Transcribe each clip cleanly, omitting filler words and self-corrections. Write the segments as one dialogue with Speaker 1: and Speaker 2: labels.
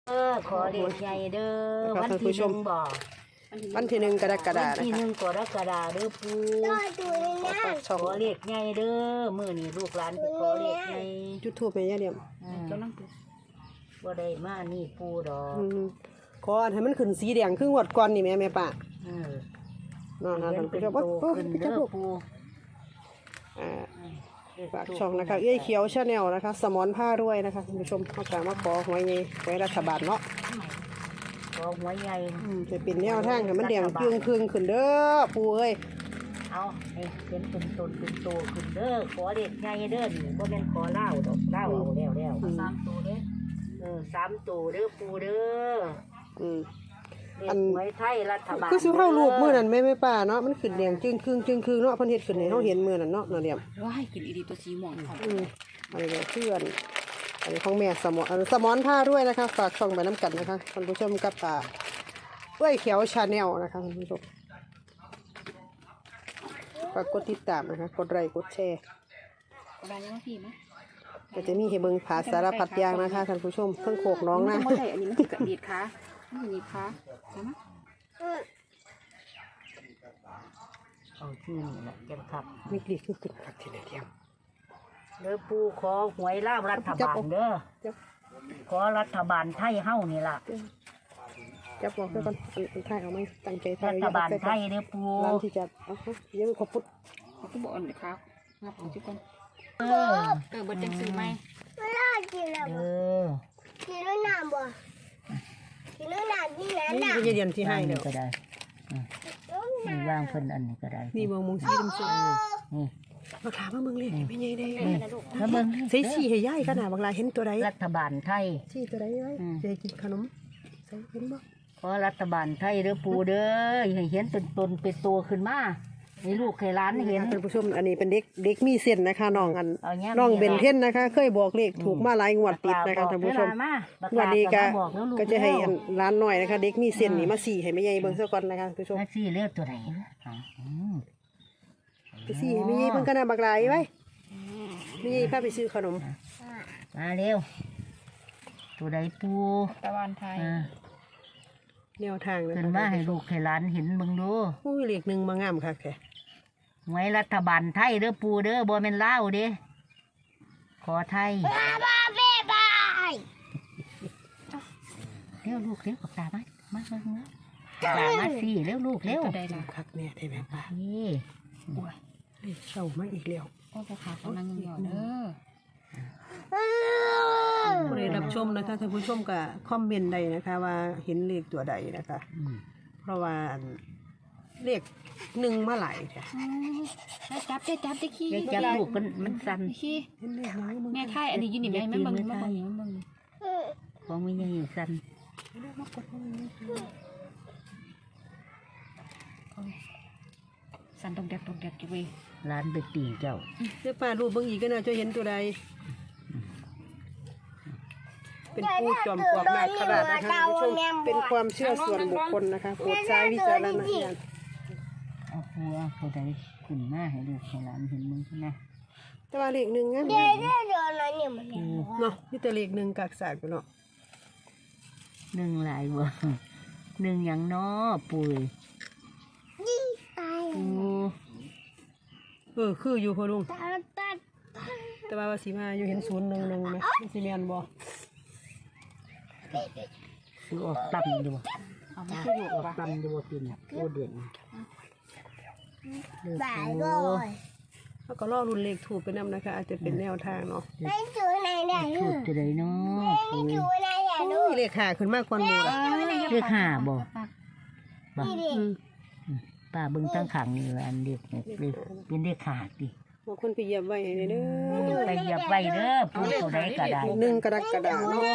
Speaker 1: ขอเด็กใหญ่เด้อวันที่หนึ่งบ่
Speaker 2: วันที่1 กรกฎาคม
Speaker 1: วันที่1 กรกฎาคมเด้อปูขอเด็กใหญ่เด้อมื้อนี้ลูกหลานไปขอเด็กใหญ่
Speaker 2: จุดทูปแม่ย่าเดียม
Speaker 1: บ่ได้มานี่ปูดอก
Speaker 2: ขอให้มันขึ้นสีแดงครึ่งวดก่อนนี่แม่ป้านั่น
Speaker 1: เห็น
Speaker 2: ๆ
Speaker 1: เป็น
Speaker 2: ๆ
Speaker 1: โตขึ้นเด้อปู
Speaker 2: ฝากช่องนะคะเอ้ยเขียวชาแนลนะคะสมอนผ้าด้วยนะคะคุณผู้ชมเขากล่าวมาขอหวยไงหวยรัฐบาลเนาะ
Speaker 1: ขอหัวใหญ่
Speaker 2: จะเป็นแนวทางให้มันแดงเกลืองขึ้นเด้อปู่เอ้ย
Speaker 1: เอาให้เห็นเป็นตนเป็นโตขึ้นเด้อขอเด็กใหญ่เด้อนี่บ่แม่นขอเหล้าดอกเหล้าเอาแล้ว3ตัวเด้อ3ตัวเด้อปูเด้ออันหวยไทยรัฐบาล
Speaker 2: คือสิเข้ารูปมื้อนั้นแม่ป้าเนาะมันขึ้นแดงจึงครึ่งเนาะเพิ่นเฮ็ดขึ้นให้เฮาเห็นมื้อนั้นเนาะเดียม
Speaker 3: ว้ายขึ้นอีดีตัวสีม่วงค่ะ
Speaker 2: อันนี้เพื่อนอันนี้ของแม่สมอนผ้าด้วยนะคะฝากช่องไปน้ำกันนะคะท่านผู้ชมกับเอ้ยเขียวชาแนลนะคะท่านผู้ชมฝากกดติดตามนะคะกดไลค์กดแชร์
Speaker 3: อะไรยังพี่ไหม
Speaker 2: ก็จะมีให้เบิ่งผาสารพัดอย่างนะคะท่านผู้ชมเพิ่งโขกน้องนะ
Speaker 3: ไม่ได้อันนี้มันคือกระดีดค่ะนี่นี่ค่ะใช่ไหม
Speaker 1: เอาที่นี่แหละเก็บครับ
Speaker 2: มีกรีดคือขึ้นครับทีเดียว
Speaker 1: เด้อปูขอหวยลาวรัฐบาลเด้อขอรัฐบาลไทยเฮานี่ล่ะ
Speaker 2: จับบอกซะก่อนอันท้ายเอาไหมตั้งใจถ่าย
Speaker 1: รัฐบาลไทยเด้อปู
Speaker 2: ร้านที่จัดเยอะขอบพุทธ
Speaker 3: เขาก็บอกอันนี้ครับงับของทุกคน
Speaker 1: เออ
Speaker 3: เบิดจังซื้อไหม
Speaker 1: เออ
Speaker 2: นี่คือเดือนที่ให้
Speaker 1: นี่
Speaker 2: เดี๋ยว
Speaker 1: ก็ได้นี่วางเพิ่นอันนี้ก็ได้
Speaker 2: นี่มองสีดำสวย
Speaker 1: นี่
Speaker 2: มาถามว่ามึงเลยไม่ใหญ่ได้
Speaker 1: แล้วเบิ่ง
Speaker 2: ใส่สีให้ย่ายขนาดบางรายเห็นตัวใด
Speaker 1: รัฐบาลไทย
Speaker 2: สีตัวใดไว้จะกินขนมใส่เห็นบ่
Speaker 1: ขอรัฐบาลไทยเด้อปูเด้อให้เห็นเป็นตนเป็นตัวขึ้นมาให้ลูกให้หลานเห็น
Speaker 2: ท่านผู้ชมอันนี้เป็นเด็กมีเส้นนะคะน้องอัน
Speaker 1: เอาเงี้ย
Speaker 2: น้องเบนเทนนะคะเคยบอกเลขถูกมาหลายงวดติดนะคะท่านผู้ชมวันนี้ก็จะให้ร้านหน่อยนะคะ เด็กมีเส้นนี่มาสีให้แม่ใหญ่เบิ่งซะก่อนนะคะท่านผู้ชม
Speaker 1: แท็กซี่เลือกตัวไหน
Speaker 2: ไปสีให้แม่ใหญ่เบิ่งกันนะบักหลายไว้แม่ใหญ่พาไปซื้อขนม
Speaker 1: มาเร็วตัวใดปู
Speaker 3: ตะวันไทย
Speaker 2: แนวทางนะ
Speaker 1: ขึ้นมาให้ลูกให้หลานเห็นเบิ่งดู
Speaker 2: อุ้ยเลขหนึ่งมางามค่ะแก
Speaker 1: ไว้รัฐบาลไทยเด้อปูเด้อบ่แม่นลาวเด้ขอไทยเร็วลูกเร็วกับตามาตามาสิเร็วลูกเร็ว
Speaker 3: ได้ละ
Speaker 2: คักแน่ได้ไหมป้า
Speaker 1: นี่
Speaker 2: เลขเศร้ามาอีกแล้ว
Speaker 3: โอ้พ่อขากำลังหยอดเด้อ
Speaker 2: ผู้ใดรับชมนะคะท่านผู้ชมก็คอมเมนต์ได้นะคะ ว่าเห็นเลขตัวใดนะคะ เพราะว่าเลขหนึ่งมาหลายค่ะ
Speaker 3: จับได้ขี้
Speaker 1: เด็กจับลูกมันสั่น
Speaker 3: ขี้
Speaker 2: เห็นเลขน้อยมึง
Speaker 3: แม่ไทยอันนี้ยืนนี่แม่แม่บังแม่บัง
Speaker 1: ของไม่ใหญ่สั่น
Speaker 3: สันตรงเด็กกี่เว้ย
Speaker 1: ร้านไปตีเจ้า
Speaker 2: เดี๋ยวป้ารูปเบิ่งอีกก็น่าจะเห็นตัวใดเป็นผู้จอมปลวกนาคราชนะคะท่านผู้ชมเป็นความเชื่อส่วนบุคคลนะคะโปรดใช้วิจารณญาณ
Speaker 1: เอาปูเอาตัวใดขึ้นมาให้ลูกให้หลานเห็นมึงนะ
Speaker 2: แต่ว่าเลขหนึ่งงั้นเนาะนี่แต่เลขหนึ่งกากสากอยู่เนาะ
Speaker 1: หนึ่งหลายบ่หนึ่งอย่างน้อปุ๋ยปู
Speaker 2: คืออยู่พ่อลุงแต่ว่าสีมาอยู่เห็น011ไหมมันสีแมนบ่
Speaker 1: ซื้อออกต่ำดีบ่
Speaker 3: เอามาที่อยู่
Speaker 1: ออก
Speaker 3: ปะ
Speaker 1: ต่ำดีบ่ปีนโอ้เด่นเลือกปู
Speaker 2: แล้วก็ล่อรุ่นเลขถูกไปนำนะคะ อาจจะเป็นแนวทางเนาะ
Speaker 1: ถูกจะได้น้อปุ๋ย
Speaker 2: อุ้ยเลขหาขึ้นมากกว่าหมู่ละ
Speaker 1: เลือกห้าบ่บ่ป้าเบิ่งตั้งขังนี่อันเด็กเนี่ยเป็นเด็กขาดดิ
Speaker 2: บางคนไปเหยียบไว้ให้เด้อ
Speaker 1: ไปเหยียบไว้เด้อปูตัวใดก็ได้
Speaker 2: หนึ่งกระดาษเนาะ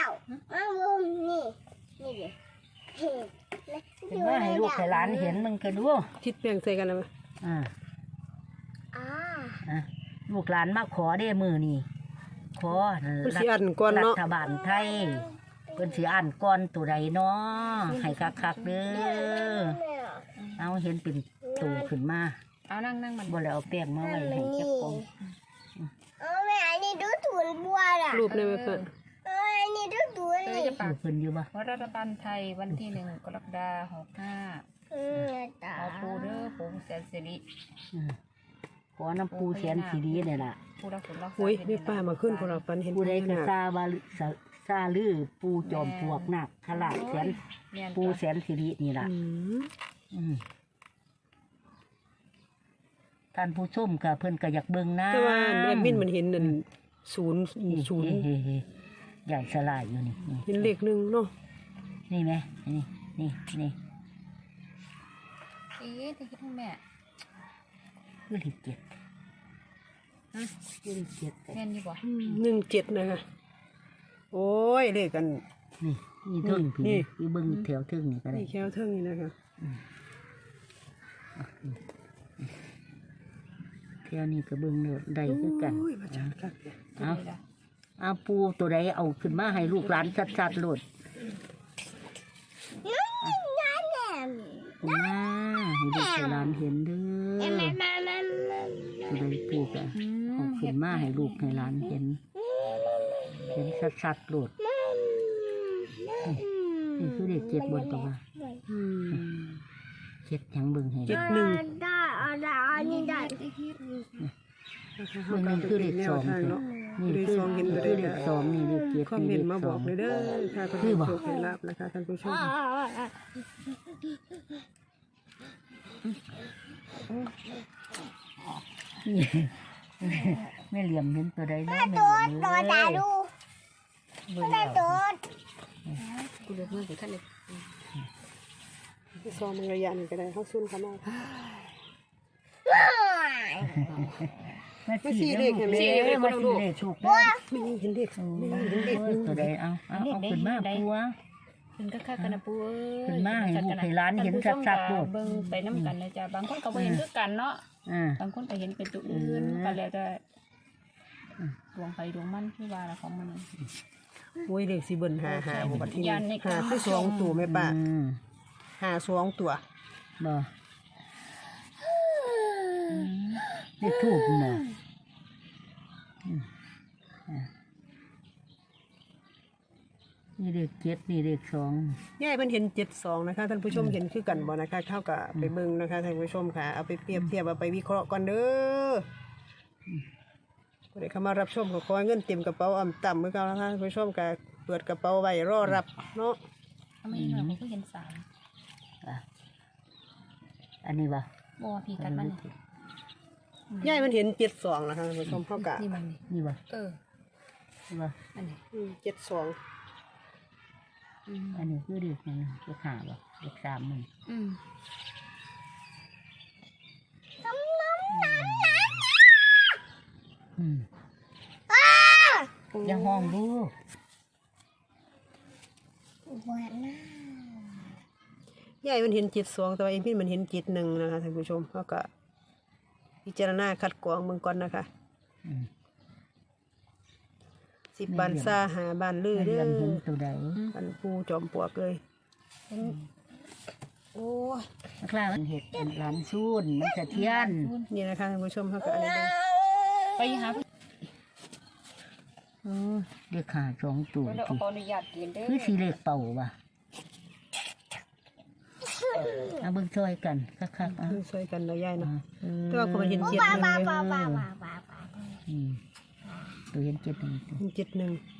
Speaker 1: ถึงว่าให้ลูกให้หลานเห็นมึงก็ดู
Speaker 2: ทิศเปลี่ยงใส่กันแล้วมั้ย
Speaker 1: ลูกหลานมาขอได้มือนี่ขอ
Speaker 2: เพิ่นสิอันก่อน
Speaker 1: รั
Speaker 2: เนาะ
Speaker 1: ฐบาลไทยเพิ่นสิอ่านก่อนตัวใดเนาะให้คักๆเด้อเอาเห็นเป็นตูขึ้นมา
Speaker 3: เอานั่งมัน
Speaker 1: บ่แล้วเอาแป้งมาไว้ให้จักกอง
Speaker 2: รูปในเพิ่น
Speaker 4: นี่ดูดู
Speaker 3: จะปาก
Speaker 1: เพิ่นอยู่บ่
Speaker 3: รัฐบาลไทยวันที่1 กรกฎาคม 65
Speaker 4: ตา
Speaker 3: เอาปูเด้อปูแสนสิริ
Speaker 1: ขอน้ำปูแสนสีดีนี่ล่ะ
Speaker 3: ปูรักคุณรักษา
Speaker 2: อุ้ยนี่ป้ามาขึ้นพวกเราปันเห็น
Speaker 1: ผู้ใดก็
Speaker 2: น่ะ
Speaker 1: ซาบาซาลือปูจอมปลวกนักขลาดแสนปูแสนสิรินี่ล่ะ
Speaker 2: อืม
Speaker 1: ท่านผู้ชมก็เพิ่นก็อยากเบิ่งนะ
Speaker 2: แต่ว่าแอดมินมันเห็นนั่นศูนย์
Speaker 1: เฮ้ใหญ่สลายอยู่นี่
Speaker 2: เห็นเลขหนึ่งเนาะ
Speaker 1: นี่ไหมนี่
Speaker 3: จะคิดถึงแม่
Speaker 1: คือเลขเจ็ดคือเลขเจ็ด
Speaker 3: แม่นอยู่บ่
Speaker 2: 17นะคะโอ้ยเลขกัน
Speaker 1: นี่เทิงพี่
Speaker 2: นี่
Speaker 1: นี่เบิ่งแถวเทิงนี่ก็ได้
Speaker 2: นี่แควเทิงนี่นะคะ
Speaker 1: แถวนี้ก็เบิ่งเลยได้คือกัน
Speaker 2: โอ้ยมาจัดกันเนี่ย
Speaker 1: เอาปูตัวใดเอาขึ้นมาให้ลูกหลานชัดๆโลดมาให้ลูกให้หลานเห็นเด้อตัวใดปูก็เอาขึ้นมาให้ลูกให้หลานเห็นชัดๆโลดนี่คือเด็กเจ็ดบนตัวว่าเจ็ดยังเบิ่งให้
Speaker 2: 71
Speaker 4: ได้อันนี้ได้
Speaker 1: เบิ่งนี่คือเด็กสอง
Speaker 2: เนาะ
Speaker 1: นี่
Speaker 2: เลข
Speaker 1: คือ
Speaker 2: สองเห็นบ่ได้
Speaker 1: เด็กสองนี่เด็กเจ็ด
Speaker 2: คอม
Speaker 1: นี่
Speaker 2: เมน
Speaker 1: เด็
Speaker 2: ต์
Speaker 1: ก
Speaker 2: มา
Speaker 1: ส
Speaker 2: บ
Speaker 1: อ
Speaker 2: อง กเลยเด้อค่ะท่านผู้ชมให้รับนะคะท่านผู้ชม
Speaker 1: นี่แม่เหลี่ยมเห็นตัวใดเนาะแม่เห
Speaker 4: โด
Speaker 1: ลี่ย
Speaker 4: ด
Speaker 1: ม
Speaker 4: โดด
Speaker 1: เล
Speaker 4: ตาย ดู
Speaker 1: เบิ่ง
Speaker 4: ได้
Speaker 1: แล้ว
Speaker 4: โดด
Speaker 3: กูเลือกเมื่อกี้ท่านเลย
Speaker 2: ซองมันระยะหนึงก็ได้เฮาซุ่นเข้ามา
Speaker 1: มาสี่เลขเห็นไหมมาสี่เลขถูกเด้อ
Speaker 2: ไม่เห็นเลขไม่เห็นเลข
Speaker 1: ตัวใดเอาขึ้นมาปัว
Speaker 3: ขึ้นก็คักกันนะปูเอ้ย
Speaker 1: ขึ้นมาให้ลูกให้หลานเห็นชัดๆโลด
Speaker 3: เบิ่งไปน้ำกันนะจ๊ะบางคนก็บ่เห็นคือกันเนาะ
Speaker 1: อ่า
Speaker 3: บางคนก็เห็นเป็นตัวอื่นก็แล้วแต่ดวงไฟดวงมันที่ว่าละของมัน
Speaker 2: โอ้ยเลขสิเบิ่นหาบ่บัดทีนี้
Speaker 3: ยันในกา
Speaker 2: หาร คือสองตัวแม่ป้าหาสองตัว
Speaker 1: บ่เลขถูกเนาะนี่เลขเจ็ดนี่เลขสอง
Speaker 2: ยายเพิ่นเห็น72นะคะท่านผู้ชมเห็นคือกันบ่นะคะเท่ากับไปเบิ่งนะคะท่านผู้ชมค่ะเอาไปเปรียบเทียบเอาไปวิเคราะห์ก่อนเด้อผู้ใดเข้ามารับชมก็ขอให้เงินเต็มกระเป๋าอ่ำต่ำเหมือนกันนะคะท่านผู้ชมก็เปิดกระเป๋าไว้รอรับเนาะ
Speaker 3: ทำไมเราไม่เคยเห็นสาม
Speaker 1: อันนี้บ่
Speaker 3: บ่พี่กันมัน
Speaker 2: ยายมันเห็น72นะคะท่านผู้ชมเท่ากับ
Speaker 3: นี่มัน
Speaker 1: นี่บ่
Speaker 3: นี่บ่
Speaker 1: บ่
Speaker 3: อันนี้
Speaker 2: 72
Speaker 1: อันนี้คือเลขยังเลขห้าบ่เลขสามมัน อย่าห้องลูก
Speaker 2: ยายมันเห็น72แต่ว่าเอ็มพี่มันเห็น71นะคะท่านผู้ชมเท่ากับพิจารณาคัดกรองเบิ่งก่อนนะคะ10บ้านซ่าหาบ้านลือ
Speaker 1: เรี
Speaker 2: เด้
Speaker 1: ย
Speaker 2: อ
Speaker 1: นเห็นตัวใด
Speaker 2: อันปูจอมปลวกเลย
Speaker 3: โอ้ย
Speaker 1: นักล่ามันเห็ดเป็นหลานซูนมันสะเทียน
Speaker 2: นี่นะคะท่านผู้ชมเขาก็อันนี้เลย
Speaker 3: ไปหา
Speaker 1: เลขขาสองตัว
Speaker 3: เรา
Speaker 1: สิ
Speaker 3: ขออนุญาตกินเด้อ
Speaker 1: คือสีเลขเป่าว่ะเอาเบิ่งช่วยกันคักๆอ่ะ
Speaker 2: ช่วยกันเราย่ายเนาะ
Speaker 1: อืม
Speaker 2: แต่ว่าคนมันเห็น71เลย
Speaker 1: อืมตัวเห็นเจ็ดหนึ่งตัว
Speaker 2: เห็น71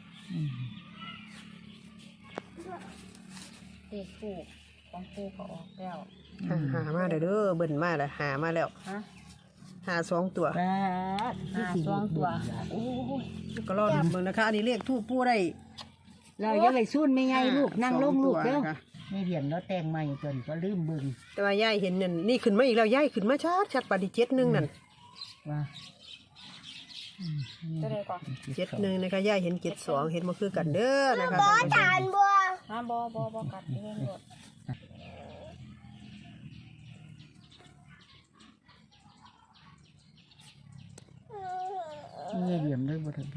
Speaker 3: เด็กปูของปูก็ออกแล้ว
Speaker 2: หามาเด้อเบิ่นมาแล้วหามาแล้ว
Speaker 3: ฮะ
Speaker 2: หา2ตัว
Speaker 1: ปลาคือสี
Speaker 3: สองตัว
Speaker 1: โอ้ย
Speaker 2: ก็รอดูเบิ่งนะคะอันนี้เลขทูปปูได้
Speaker 1: เราอย่าไปซูนไม่ไงลูกนั่งลงลูกเด้อ
Speaker 2: สองตัวนะคะ
Speaker 1: นี่เหรียญเราแต่งใหม่จนก็ลืมเบิ่ง
Speaker 2: แต่ว่าย่ายเห็นนั่นนี่ขึ้นมาอีกแล้วย่ายขึ้นมาชัดปฏิ71นั่น
Speaker 1: ว่า
Speaker 3: จะได้ก่อน
Speaker 2: 71นะคะย่ายเห็น72เห็นบ่คือกันเด้อนะคะท่านผู้ชม
Speaker 3: ฮะบ่กัดเรื่องหมด
Speaker 1: นี่เหลี่ยมเลยบ่ถึง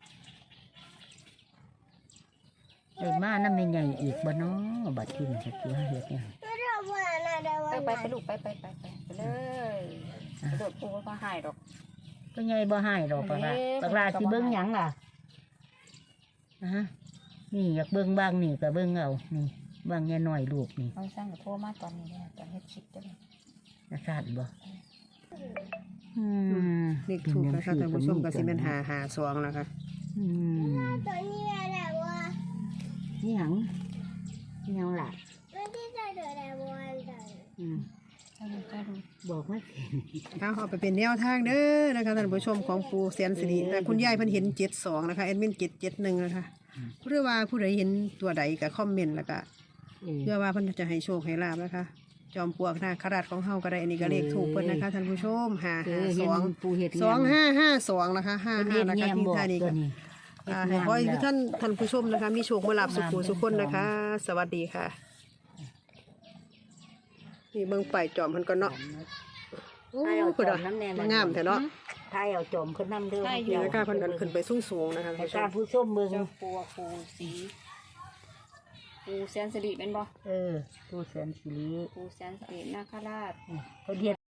Speaker 1: ได้มาน้ำไม่ใหญ่อีกบ่เนาะบัดที่นี่จะเกี่ยวเฮ็ดเนี่ย
Speaker 3: ไปลูกไปเลยกระโดดปูก็หายดอก
Speaker 1: ก็ใหญ่บ่ให้ดอกปะล่ะปะล่ะสิเบิ่งหยังล่ะฮะนี่อยากเบิ่งบ้างนี่ก็เบิ่งเอานี่บางแง่น้อยลูกนี่
Speaker 3: เอาสร้างกับโทรมาตอนนี้เนี่ยตอนเฮ็ดคลิปได้เลย
Speaker 1: จะสาดบ่
Speaker 2: เลขถูกนะคะท่านผู้ชมก็สิเป็น552นะคะ
Speaker 4: ตัวนี้อะไรวะ
Speaker 1: นี่หยังนี่หยังล่ะ
Speaker 4: มันที่จะเดือดอะไรวะ
Speaker 3: ได้ดู
Speaker 1: บอกว่า
Speaker 2: เอาไปเป็นแนวทางเด้อนะคะท่านผู้ชมของปูแสนสิริแต่คุณยายเพิ่นเห็น72นะคะแอดมิน771นะคะหรือว่าผู้ใดเห็นตัวใดก็คอมเมนต์แล้วก็เพื่อว่าเพิ่นจะให้โชคให้ลาบนะคะ จอมปลวกนาคราชของเฮาก็ได้อันนี้ก็เลขถูกเพิ่นนะคะท่านผู้ชม
Speaker 1: ปูเห็ด
Speaker 2: 2552นะคะ55นะคะที่ท่านี้ก็ให้ขอให้ทุกท่านผู้ชมนะคะมีโชคมาลาบสุขสุขคนนะคะ สวัสดีค่ะนี่เบิ่งไปจอมเพิ่นก็เนาะ
Speaker 1: ถ้าเอาจอมน้ำแน่
Speaker 2: งามแท้เนาะ
Speaker 1: ถ้าเอาจอมขึ้นน้ำเด้อ
Speaker 2: นี่นะคะเพิ่นอันขึ้นไปสูงๆนะคะ
Speaker 1: ให้การผู้ชมเบิ่ง
Speaker 3: เจ้าปูปูสีปูแสนสิริเป็นบ่
Speaker 1: ปูแสนสิริ
Speaker 3: ปูแสนสิรินาคราช
Speaker 1: เขาเรียก